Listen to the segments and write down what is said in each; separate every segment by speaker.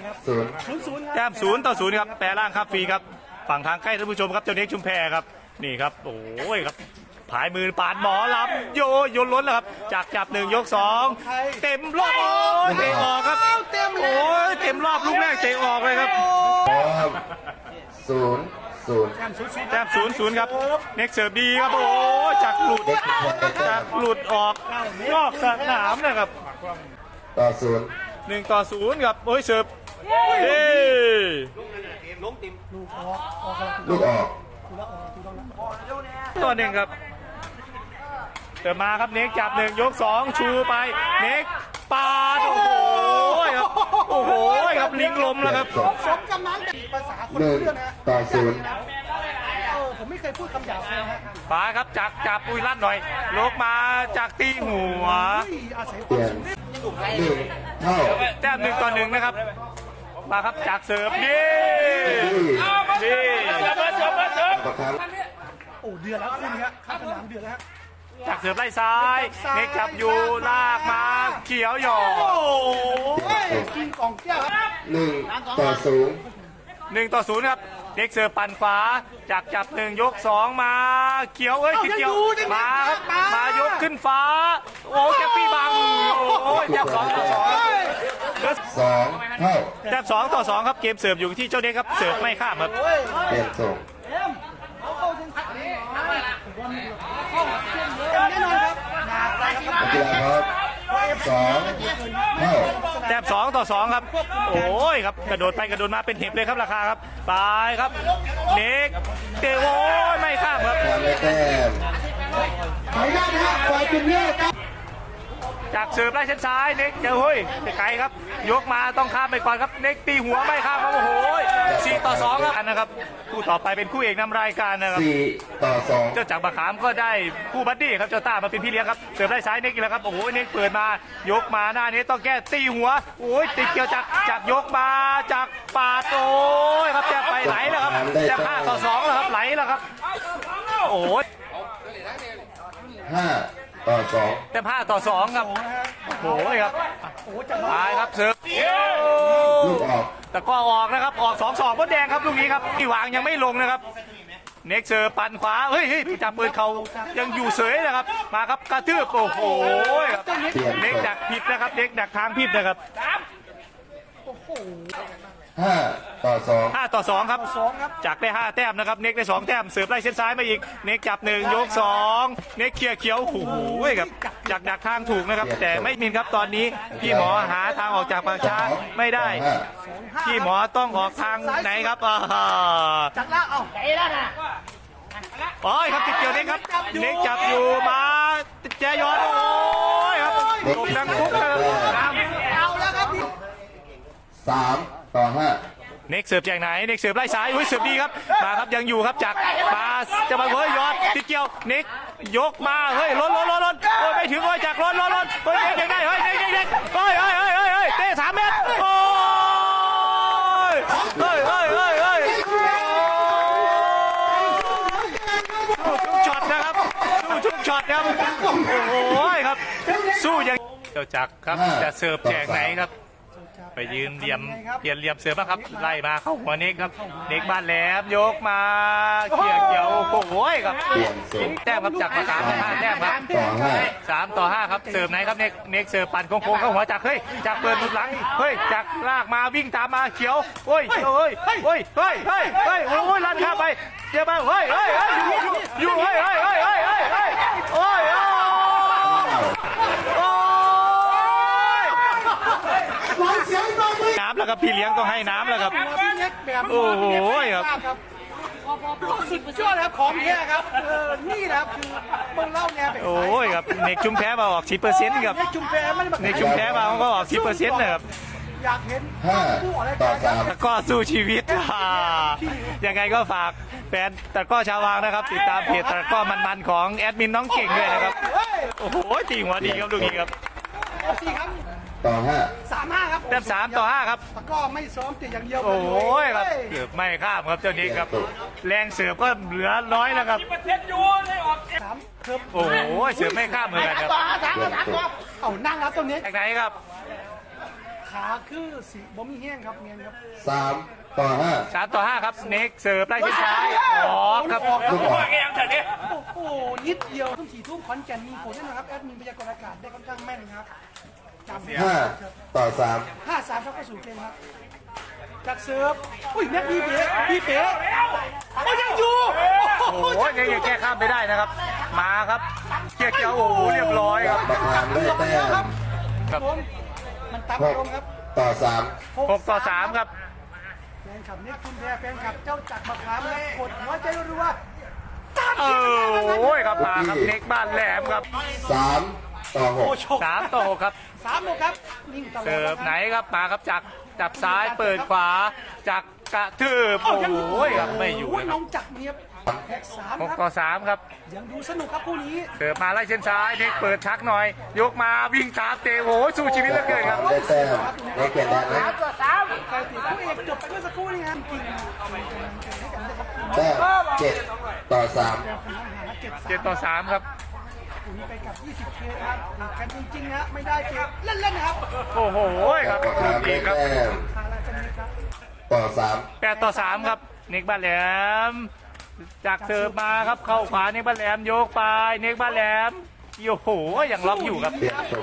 Speaker 1: แต้ม0-0ครับแปรร่างครับฟรีครับฝั่งทางใกล้ท่านผู้ชมครับเจ้าเน็กชุมแพครับนี่ครับโอ้ยครับผายมือปาดหมอลำโยนล้นแล้วครับจากจับ1ยก2เต็มรอบโอ้ยเตะออกครับโอ้ยเต็มรอบลูกแรกเตะออกเลยครับ
Speaker 2: 0-0
Speaker 1: แต้ม0-0ครับเน็กเสิร์ฟดีครับโอ้ยจากหลุดออกนอกสนามนะครับ1-0ครับโอ้ยเสิร์ฟเฮ้
Speaker 2: ลูกออก
Speaker 1: ตัวหนึ่งครับเติมมาครับเน็กจับ1ยก2ชูไปเน็กปาดโอ้โหครับโอ้โหครับลิงลมแล้วครับ
Speaker 3: สมกำนันภาษาคนรู้เรื่องนะผมไม่เคยพูดคำหยาบเลยฮะ
Speaker 1: ปาครับจากจับปุยลั่นหน่อยลกมาจากตีหัว
Speaker 2: เปลี่ยน1 เท่า
Speaker 1: แต้ม1-1นะครับมาครับจากเสิร์ฟนี่
Speaker 3: โอ้เดือดแล้วคุณครับข้ามสนามเดือดแล้ว
Speaker 1: จากเสิร์ฟไล่ซ้ายเน็กจับอยู่ลากมาเขียวหยอด
Speaker 3: กินกล่องแก้วครับ
Speaker 2: 1-0
Speaker 1: ครับเน็กเสิร์ฟปั่นขวาจากจับ1ยก2มาเขียวติดเขียวมายกขึ้นฟ้าโอ้แกปี้บังโอ้ยแต้ม2-2
Speaker 2: เท่า
Speaker 1: แต้ม2-2ครับเกมเสิร์ฟอยู่ที่เจ้าเน็กครับเสิร์ฟไม่ข้ามครับ
Speaker 2: เปลี่ยนส่ง
Speaker 3: แน่นอนครับ
Speaker 2: กีฬาครับ2 เท่า
Speaker 1: แต้ม2-2ครับโอ้ยครับกระโดดไปกระโดดมาเป็นเห็บเลยครับราคาครับตายครับเน็กเตะโอ้ยไม่ข้ามครับ
Speaker 2: ทำได้แต้ม
Speaker 3: ขออนุญาตนะฮะฝ่ายเป็นเลือกครับ
Speaker 1: จากเสิร์ฟไล่เส้นซ้ายเน็กเฮ้ยไกลครับยกมาต้องข้ามไปก่อนครับเน็กตีหัวไม่ข้ามครับโอ้โห4-2ครับนะครับคู่ต่อไปเป็นคู่เอกนำรายการนะครับ
Speaker 2: 4-2
Speaker 1: เจ้าจากบะขามก็ได้คู่บัดดี้ครับเจ้าต้ามาเป็นพี่เลี้ยงครับเสิร์ฟไล่ซ้ายเน็กอีกแล้วครับโอ้โหเน็กเปิดมายกมาหน้านี้ต้องแก้ตีหัวโอ้ยติดเกี่ยวจากยกมาจากปาดโอ้ยครับแต้มไปไหลแล้วครับแต้ม5-2แล้วครับไหลแล้วครับโอ้ย
Speaker 2: 5-2
Speaker 1: แต้ม5-2ครับโอ้ยครับตายครับเสิร์ฟ
Speaker 2: ลูกออก
Speaker 1: แต่ก็ออกนะครับออก2-2มดแดงครับลูกนี้ครับที่วางยังไม่ลงนะครับเน็กเสิร์ฟปั่นขวาเฮ้ยจับปืนเขายังอยู่เสยนะครับมาครับกระทืบโอ้โหครับเน็กดักผิดนะครับเน็กดักทางผิดนะครับ5-2ครับจากได้5แต้มนะครับเน็กได้2แต้มเสิร์ฟไล่เส้นซ้ายมาอีกเน็กจับ1ยก2เน็กเคลียร์เขียวโอ้โหครับจากดักทางถูกนะครับแต่ไม่มินครับตอนนี้พี่หมอหาทางออกจากปากช้าไม่ได้พี่หมอต้องออกทางไหนครับ
Speaker 3: จัดละเอาไหนล่ะนะ
Speaker 1: โอ้ยครับติดเกี่ยวเน็กครับเน็กจับอยู่มาแจยอดโอ้ยครับตกดังทุกนะครับ
Speaker 3: เอาแล้วครับ
Speaker 2: 3-5
Speaker 1: เน็กเสิร์ฟจากไหนเน็กเสิร์ฟไล่ซ้ายอุ้ยเสิร์ฟดีครับมาครับยังอยู่ครับจากมาจะมาเฮ้ยยอดติดเกี่ยวเน็กยกมาเฮ้ยล้นโอ้ยไม่ถึงโอ้ยจากล้นเฮ้ยเน็กได้เฮ้ยเน็กเฮ้ยเตะ3 เมตรโอ้ยเฮ้ยสู้ทุกช็อตนะครับสู้ทุกช็อตครับโอ้โหครับสู้ยังเจ้าจักรครับจะเสิร์ฟแจกไหนครับไปยืนเปลี่ยนเหลี่ยมเสือบ้างครับไล่มาเข้าหัวเน็กครับเน็กบ้านแหลมยกมาเกี่ยวโอ้โหครับแต้มครับจากประกาศ5 แต้มครับ3-5ครับเสิร์ฟไหนครับเน็กเสิร์ฟปั่นโค้งเข้าหัวจากเฮ้ยจากเปิดหลุดหลังเฮ้ยจากลากมาวิ่งตามมาเขียวโอ้ยลั่นข้ามไปเดี๋ยวมาเฮ้ยอยู่เฮ้ยโอ้ยน้ำแล้วครับพี่เลี้ยงต้องให้น้ำแล้วครับโอ้โหครับ
Speaker 3: สุดยอดครับของแท้ครับนี่นะครับคือเมืองเล่าเนี่ย
Speaker 1: โอ้ยครับเน็กชุมแพ้มาออก10%ครับ
Speaker 3: เน็กชุมแพ้ไม่ได้
Speaker 1: เน็กชุมแพ้มาก็ออก10%นะครับ
Speaker 3: อยากเห็น
Speaker 1: ตะก้อสู้ชีวิตยังไงก็ฝากแฟนตะก้อชาววางนะครับติดตามเพจตะก้อมันๆของแอดมินน้องเก่งด้วยนะครับโอ้โหตีหัวดีครับลูกนี้ครับ
Speaker 3: 3-5ครับ
Speaker 1: แต้ม3-5ครับ
Speaker 3: ตะก้อไม่ซ้อมแต่อย่างเดียว
Speaker 1: โอ้ยครับเสิร์ฟไม่ข้ามครับเจ้านี้ครับแรงเสิร์ฟก็เหลือน้อยแล้วครับโอ้โหเสิร์ฟไม่ข้ามเหมือนกันครับ
Speaker 3: เอานั่งครับตรงนี้
Speaker 1: จากไหนครับ
Speaker 3: ขาคือสีบ่มีแห้งครับเงี้ยครับ
Speaker 2: 3-5
Speaker 1: 3-5ครับเน็กเสิร์ฟไล่ที่ซ้ายออกครับ
Speaker 2: ลูกออก
Speaker 3: โอ้โหนิดเดียวทุ่ม4 ทุ่มขอนแก่นมีผลแน่นอนครับแอดมินพยากรณ์อากาศได้ค่อนข้างแม่นครับจำ
Speaker 2: 5-3
Speaker 3: 5-3ครับเข้าสู่เกมครับจากเซิร์ฟอุ้ยแม็กพี่เป๋โอ้ยังอยู่
Speaker 1: โอ้โหยังแก้ข้ามไม่ได้นะครับ มาครับเกียร์เกียวโอ้โหเรียบร้อยครับ
Speaker 2: มะขามได้แต้ม
Speaker 3: ครับผมมันตามอารมณ์ครับ
Speaker 2: 6-3
Speaker 1: 6-3ครับ
Speaker 3: แฟนคลับนี่คุณแพ้แฟนคลับเจ้าจักรมะขามและกดหัวใจรัวๆตาม
Speaker 1: เอ
Speaker 3: ที่
Speaker 1: อโอ้ยครับมาครับเน็กบ้านแหลมครับ
Speaker 2: 3-6
Speaker 1: 3-6ครับ
Speaker 3: 3 ครับนิ่งตลอด
Speaker 1: เสิร์ฟไหนครับมาครับจากจับซ้ายเปิดขวาจากกระทืบโอ้โหครับไม่อยู่
Speaker 3: โอ้
Speaker 1: นะค
Speaker 3: น้
Speaker 1: รั
Speaker 3: อบ งจักรเนียบแท็ก3 ครับ
Speaker 1: 6-3ครับ
Speaker 3: ยังดูสนุกครับคู่นี้
Speaker 1: เสิร์ฟมาไล่เส้นซ้ายเน็กเปิดชักหน่อย ยกมาวิ่งตามเตะโอ้โหสู้ชีวิตเหลือเกินครับ
Speaker 2: ได้แต้มได้เกียรติแดนนะ
Speaker 3: ใครตีคู่เอกจบไปเมื่อสักครู่นี้ครับจริงๆให้กันได้ครับ
Speaker 2: แต้ม7-3
Speaker 1: 7-3ครับ
Speaker 3: คู่นี้ไปกับ 20 เคครับกันจริงๆนะไม่ได้เกมเล่นๆนะครับ
Speaker 1: โอ้โหครับ
Speaker 2: มะขามได้
Speaker 1: ดีครับ
Speaker 2: แต้ม
Speaker 3: ทางราชนีครับ
Speaker 2: 8-3
Speaker 1: 8-3ครับเน็กบ้านแหลมจากเสิร์ฟมาครับเข้าขวาเน็กบ้านแหลมโยกไปเน็กบ้านแหลมโอ้โหยังล็อกอยู่ครับ
Speaker 2: เปลี่ยนส่ง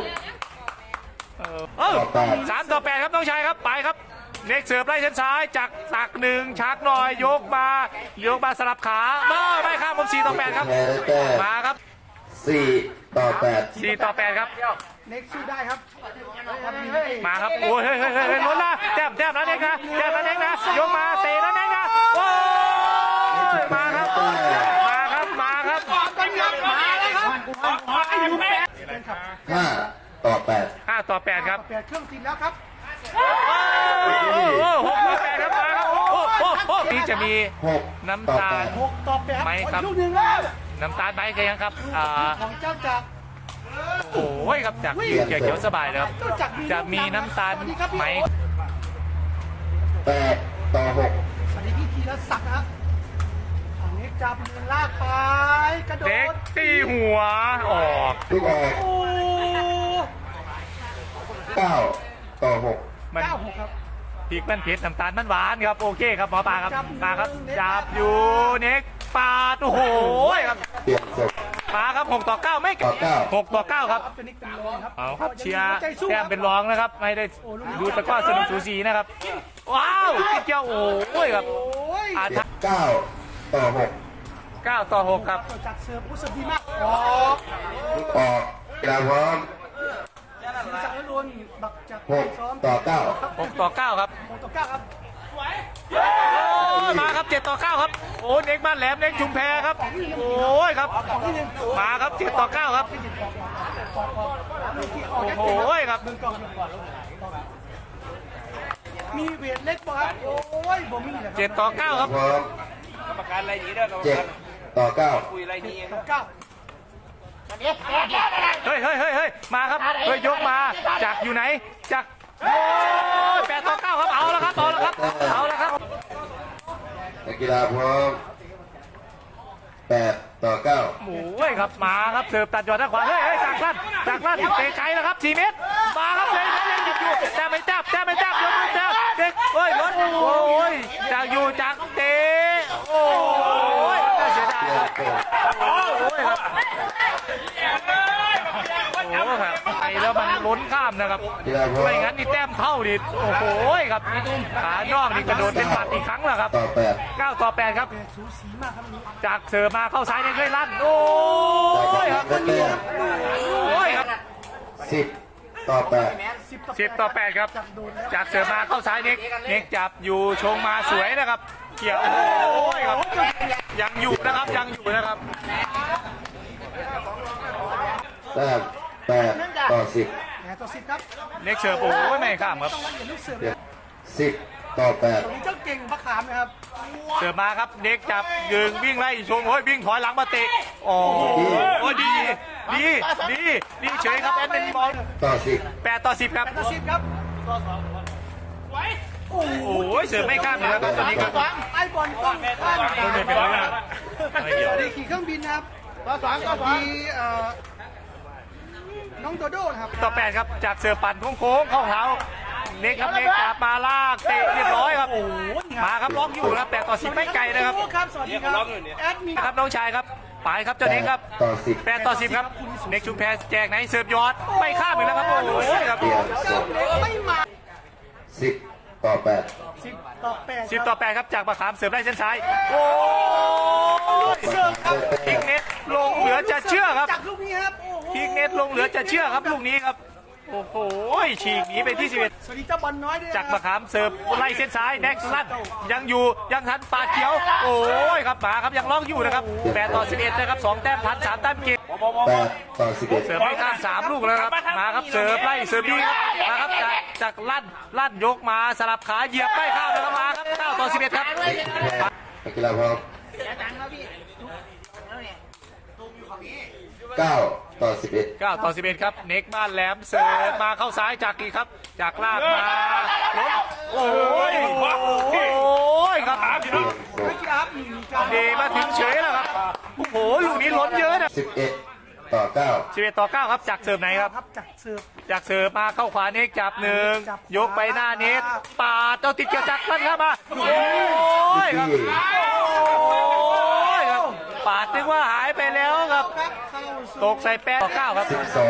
Speaker 1: 3-8ครับน้องชายครับไปครับเน็กเสิร์ฟไล่เส้นซ้ายจากตักหนึ่งชักหน่อยยกมาสลับขาไม่ข้ามผม4-8ครับ
Speaker 2: แพ้ได้แต้ม
Speaker 1: มาครับ
Speaker 2: 4-8
Speaker 1: 4-8ครับ
Speaker 3: เน็กสู้ได้ครับ
Speaker 1: มาครับโอ้ยเฮ้ยล้นละแต้มนะเน็กนะแต้มนะเน็กนะยกมาเตะนะเน็กนะโอ้ยมาครับมาครับ
Speaker 3: มาแล้วครับไอ้ยูแปด
Speaker 2: 5-8
Speaker 1: 5-8ครับ
Speaker 3: เปลี่ยนเครื่องติดแล้วครับ
Speaker 1: 6-8ครับมาครับโอ้นี่จะมี
Speaker 2: 6
Speaker 1: น้ำตาล
Speaker 3: 6-8
Speaker 1: ไม่ครับ
Speaker 3: ลูกหนึ่งแล้ว
Speaker 1: น้ำตาลไหมกันยังครับ
Speaker 3: ของเจ้าจักร
Speaker 1: โอ้ยครับจากเขียวสบายเลยครับ
Speaker 3: เจ้าจักร
Speaker 1: จะมีน้ำตาลไหม
Speaker 2: 8-6
Speaker 3: สวัสดีพี่ธีรศักดิ์นะครับเน็กจับมือลากไปกระโด
Speaker 1: เด็ก
Speaker 3: ด
Speaker 1: ตีหัวออก
Speaker 2: ลูกออก
Speaker 3: โอ้
Speaker 2: 9-6
Speaker 1: มัน
Speaker 3: 9-6ครับ
Speaker 1: พริกมันเผ็ดน้ำตาลมันหวานครับโอเคครับหมอปลาครับมาครับจับอยู่เน็กปาดโอ้โหครับ
Speaker 2: เปลี่ยนส่ง
Speaker 1: ปาครับ6-9ไม่ 6-9ครับ
Speaker 3: เป็นนิกเป็นรองครับ
Speaker 1: เอาครับเชียร์แต้มเป็นรองนะครับไม่ได้ดูตะกร้อสนุกสูสีนะครับว้าวติดเกี่ยวโอ้ยครับ
Speaker 3: โอ้ย
Speaker 1: อาทัก
Speaker 2: 9-6
Speaker 1: 9-6ครับ
Speaker 3: จัดเสิร์ฟรู้สึกดีมากออก
Speaker 2: ลูกออกกีฬาพร้อม
Speaker 3: ศีรษะล้วนบักจากซ้อม
Speaker 2: 6-9
Speaker 1: 6-9ครับ
Speaker 3: 6-9ครับ
Speaker 1: มาครับ7-9ครับโอ้เน็กบ้านแหลมเน็กชุมแพครับโอ้ยครับมาครับ7-9ครับโอ้ยครับ
Speaker 3: มีเวทเล็กป่ะครับโอ้ยบ่มีเลยครับ
Speaker 1: 7-9ครับ
Speaker 2: พร้อม
Speaker 4: ประกันอะไรดีเด้อ
Speaker 2: 7-9
Speaker 4: คุยอะไรดี
Speaker 3: เก้า
Speaker 1: เฮ้ยมาครับเฮ้ยยกมาจากอยู่ไหนจากโอ้ย8-9ครับเอาแล้วครับเอาแล้วครับ
Speaker 2: นักกีฬาพร้อม8-9
Speaker 1: โอ้ยครับมาครับเสิร์ฟตัดยอดด้านขวาเฮ้ยจากลั่นเตะไกลแล้วครับ4 เมตรมาครับเลยยังหยุดอยู่แต่ไม่จับยกมือจับเด็กเฮ้ยรถโอ้ยจากอยู่จากเตะโอ้ยน่าเสียดายครับโอ้ยครับไปแล้วมันล้นข้ามนะครับ
Speaker 2: กีฬาพร้อม
Speaker 1: ไม่งั้นนี่แต้มเท่าดิโอ้โหครับขานอกนี่กระโดดเป็นหมัดอีกครั้งแล้วครับ 9-8ครับ
Speaker 3: สูสีมากครับนี้
Speaker 1: จากเสิร์ฟมาเข้าซ้ายเนี่ยเลยลั่นโอ้ยครับ
Speaker 2: ได้แต้ม
Speaker 1: โอ้ยครับ
Speaker 2: 10-8
Speaker 1: 10-8ครับ
Speaker 3: จับโดนแล้ว
Speaker 1: จากเสิร์ฟมาเข้าซ้ายเน็กจับอยู่ชงมาสวยนะครับเกี่ยวโอ้ยครับยังอยู่นะครับ
Speaker 2: แต้ม8-10
Speaker 3: แหมต่อ10ครับ
Speaker 1: เน็กเสิร์ฟโอ้ยไม่ข้ามครับ
Speaker 3: ต้องละเอียดลูกเสิร์ฟนะ
Speaker 2: 10-8
Speaker 3: ตรงนี้เจ้าเก่งมะขามนะครับ
Speaker 1: เสิร์ฟมาครับเน็กจับยืนวิ่งไล่ชงโอ้ยวิ่งถอยหลังมาเตะโอ้ยดีเฉยครับแอดเป็นบอล
Speaker 2: ต่อ
Speaker 1: 8-10ครับ
Speaker 3: ต่อ10ครับโอ้โห
Speaker 1: โอ้ยเสิร์ฟไม่ข้ามเลยครับตอนนี้ครับ
Speaker 3: ไอ้บอลต้องข้าม
Speaker 1: โดนเป็นร้อยนะครับไม่เกี่ยว
Speaker 3: สวัสดีขี่เครื่องบินนะครับสวัสดีน้องโดโด้นะครับ
Speaker 1: 10-8ครับจากเสิร์ฟปั่นโค้งเข้าเท้าเน็กครับเน็กจับมาลากเตะเรียบร้อยครับมาครับล็อกอยู่ครับแต่ต่อ10ไม่ไกลนะครับ
Speaker 3: ครับสวัสดีครับแอดมิน
Speaker 1: ครับน้องชายครับไปครับเจ้าเน็กครับ
Speaker 2: ต่อสิบ
Speaker 1: 8 ต่อ 10ครับเน็กชุมแพแจกไหนเสิร์ฟยอดไม่ข้ามอีกแล้วครับโอ้โหครับ
Speaker 2: เปลี่ยนเสร็จ
Speaker 3: ไม่มา
Speaker 2: 10 ต่อ
Speaker 3: 10 ต่อ 8
Speaker 1: 10 ต่อ 8ครับจากมะขามเสิร์ฟได้เส้นซ้ายโอ้ย
Speaker 2: 8
Speaker 1: เสิร์ฟครับพิกเน็ตลงเหลือจะเชื่อครับ
Speaker 3: จากลูกนี้ครับโอ้โห
Speaker 1: พิกเน็ตลงเหลือจะเชื่อครับลูกนี้ครับโอ้โหฉีกหนีไปที่11
Speaker 3: สวัสดีเจ้าบอลน้อยด้วย
Speaker 1: จากมะขามเสิร์ฟไล่เส้นซ้ายแน็กลั่นยังอยู่ยังทันปาดเขียวโอ้ยครับมาครับยังล็อกอยู่นะครับ8 ต่อ 11นะครับ2แต้มทัน3แต้มเกม
Speaker 2: 8 ต่อ 11
Speaker 1: เสิร์ฟไม่ข้าม3ลูกแล้วครับมาครับเสิร์ฟไล่เสิร์ฟดีครับมาครับจากลั่นยกมาสลับขาเหยียบไม่ข้ามแล้วครับมาครับ9 ต่อ 11ครับ
Speaker 2: นักกีฬาพร้อม9 ต่อ 11
Speaker 1: 9 ต่อ 11ครับเน็กบ้านแหลมเสิร์ฟมาเข้าซ้ายจากอีกครับจากลากมาล้มโอ้ยครับ
Speaker 2: เปลี่ยนเสร็จ
Speaker 3: ครับมีการ
Speaker 1: เดมาถึงเฉยแล้วครับโอ้โหลูกนี้ล้นเยอะนะ
Speaker 2: 11 ต่อ 9
Speaker 1: 11 ต่อ 9ครับจากเสิร์ฟไหนครับ
Speaker 3: ครับจากเสิร์ฟ
Speaker 1: จากเสิร์ฟมาเข้าขวาเน็กจับหนึ่งยกไปหน้าเน็ตปาดเจ้าติดเกี่ยวจักรลั่นเข้ามาโอ้ยครับโอ้ยครับปาดนึกว่าหายไปแล้วครับ
Speaker 3: ครับเข้าสู่
Speaker 1: ตกใส่แป้งต่อ 9ครับ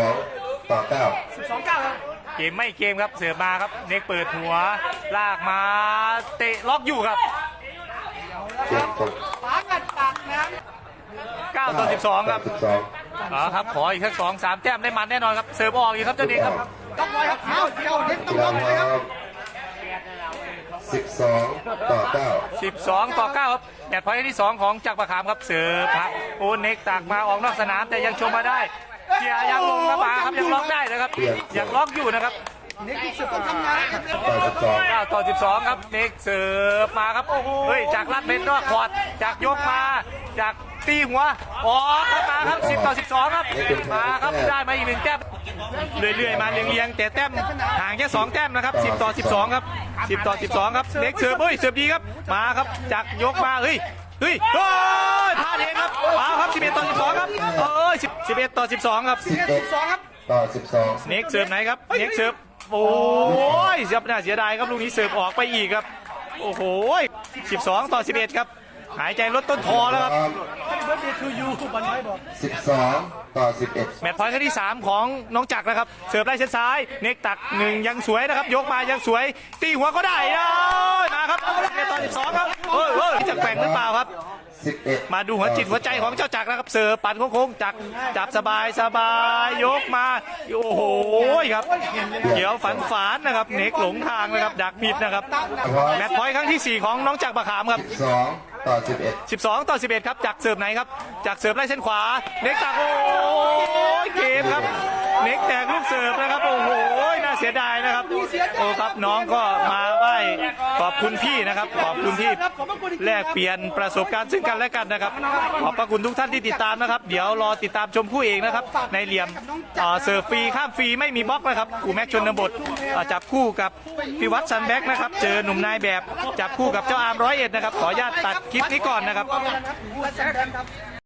Speaker 2: 12 ต่อ 9
Speaker 3: 12-9ครับ
Speaker 1: เกมไม่เกมครับเสิร์ฟมาครับเน็กเปิดหัวลากมาเตะล็อกอยู่ครับ
Speaker 2: เปลี่ยนเสร็จ
Speaker 3: ปากัดปากน้
Speaker 1: 9 ต่อ 12ครับ
Speaker 2: 12
Speaker 1: อ๋อครับขออีกสัก2-3แต้มได้มันแน่นอนครับเสิร์ฟออกอีกครับเจ้าเน็กครับ
Speaker 3: ำต้องไว้ครับเท้าเดียวเด็กต้
Speaker 2: กี
Speaker 3: อง
Speaker 2: ฬา
Speaker 3: ลง
Speaker 2: พ
Speaker 3: เลย
Speaker 2: ร้
Speaker 3: ค
Speaker 2: อ
Speaker 3: รับ
Speaker 2: ม12 ต่อ 9
Speaker 1: 12 ต่อ 9ครับแบตพอยต์ที่ 2 ของจักรประคามครับเสิร์ฟครับโอเน็กตักมาออกนอกสนามแต่ยังชมมาได้เกียร์ยังลงครับมาครับยังล็อกได้นะครับยังล็อกอยู่นะครับ
Speaker 3: เด็กเสิร์ฟต้องทำงานครับ
Speaker 2: ต่อ 12
Speaker 1: 9 ต่อ 12ครับเน็กเสิร์ฟมาครับเฮ้ยจากลัดเป็นนอกขวดจากยกมาจากตีหัวออกครับมาครับ10 ต่อ 12ครับมาครับได้มาอีก1แต้มเรื่อยๆมาเรียงๆแต่แต้มห่างแค่2แต้มนะครับ10 ต่อ 12ครับ10 ต่อ 12ครับเน็กเสิร์ฟเฮ้ยเสิร์ฟดีครับมาครับจากยกมาเฮ้ยเฮ้ยพลาดเองครับมาครับ11 ต่อ 12ครับ11 ต่อ 12ครับ
Speaker 3: 12ครับ
Speaker 2: ต่อ 12
Speaker 1: เน็กเสิร์ฟไหนครับเน็กเสิร์ฟโอ้ยเสียน่าเสียดายครับลูกนี้เสิร์ฟออกไปอีกครับโอ้โห12 ต่อ 11ครับหายใจลดต้นคอแล้วครับ
Speaker 3: เบิร์ดเดย์ทูยูบอลน้อยบอก
Speaker 2: 12 ต่อ 11
Speaker 1: แมตช์พอยต์ครั้งที่ 3 ของน้องจักรนะครับเสิร์ฟไล่เส้นซ้ายเน็กตัก1ยังสวยนะครับยกมายังสวยตีหัวก็ได้นะมาครับ11 ต่อ 12ครับเฮ้ยจะแกว่งหรือเปล่าครับ
Speaker 2: 11
Speaker 1: มาดูหัวจิตหัวใจของเจ้าจักรนะครับเสิร์ฟปั่นโค้งๆจักรจับสบายยกมาโอ้โหครับเขียวฝันนะครับเน็กหลงทางนะครับดักผิดนะครับแมตช์พอยต์ครั้งที่ 4 ของน้องจักรประขามครับ
Speaker 2: 12 ต่อ 11
Speaker 1: 12 ต่อ 11ครับจากเสิร์ฟไหนครับจากเสิร์ฟไล่เส้นขวาเน็กตักโอ้ยเกมครับเน็กแตกลูกเสิร์ฟนะครับโอ้โหน่าเสียดายนะครับโอ้ครับน้องก็มาไหว้ขอบคุณพี่นะครับขอบคุณที่แลกเปลี่ยนประสบการณ์ซึ่งกันและกันนะครับขอบพระคุณทุกท่านที่ติดตามนะครับเดี๋ยวรอติดตามชมคู่เอกนะครับในเหลี่ยมเสิร์ฟฟรีข้ามฟรีไม่มีบล็อกนะครับกูแม็กชนบทจับคู่กับพิวัตรซันแบ็กนะครับเจอหนุ่มนายแบบจับคู่กับเจ้าอาร์ม101นะครับขออนุญาตตัดคลิปนี้ก่อนนะครับ
Speaker 3: และแซมครับ